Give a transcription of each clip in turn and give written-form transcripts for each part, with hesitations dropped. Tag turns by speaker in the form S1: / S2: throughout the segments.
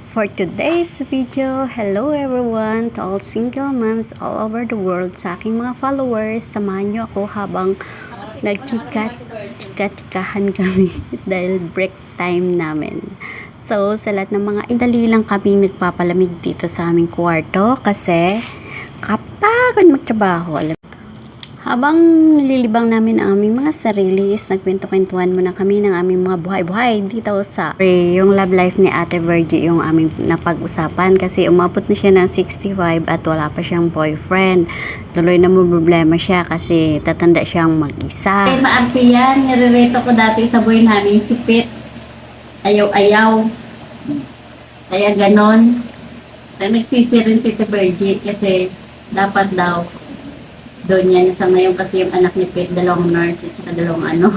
S1: For today's video, hello everyone to all single moms all over the world. Sa aking mga followers, samahan nyo ako habang nagchika-chikahan kami dahil break time namin. So, sa lahat ng mga idali lang kami nagpapalamig dito sa aming kwarto kasi kapagod magtrabaho. Habang nililibang namin ang aming mga sarili is nagkwento-kwentuhan muna kami ng aming mga buhay-buhay dito sa yung love life ni Ate Virgie yung aming napag-usapan kasi umabot na siya ng 65 at wala pa siyang boyfriend. Tuloy na mo problema siya kasi tatanda siyang mag-isa.
S2: Ay, maarte yan. Nire-reto ko dati sa buhay namin si Pit. Ayaw-ayaw. Kaya ganon. Nagsisi rin si Ate Virgie kasi dapat daw doon yan sa ngayon kasi yung anak ni Pete, dalawang nurse at saka dalawang ano.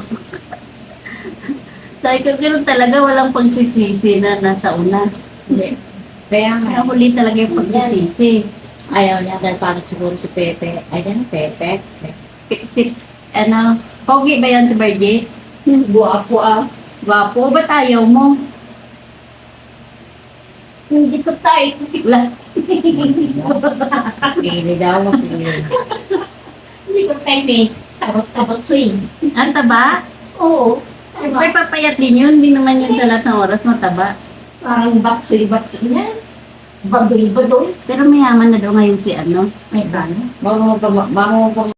S2: Sabi ko, gano'n talaga walang pagsisisi na nasa una.
S3: Kaya nga.
S2: Huli talaga yung pagsisisi.
S3: Ayaw niya dahil parang siguro si Pepe. Ay, yan, Pepe.
S2: Si, ano, pogi ba yan, Tibergie?
S3: Guwapo ah.
S2: Gwapo, ba't ayaw mo?
S3: Hindi ko tayo.
S2: La,
S3: Pili daw. Hindi ko tayo eh. Tabot swing.
S2: ang taba?
S3: Oo.
S2: Siyempre, papayat din yun. Hindi naman yun sa lahat ng oras mataba.
S3: Parang baksoy yan. Badoy.
S2: Pero mayaman na daw ngayon si ano.
S3: May gano. Bago mo pa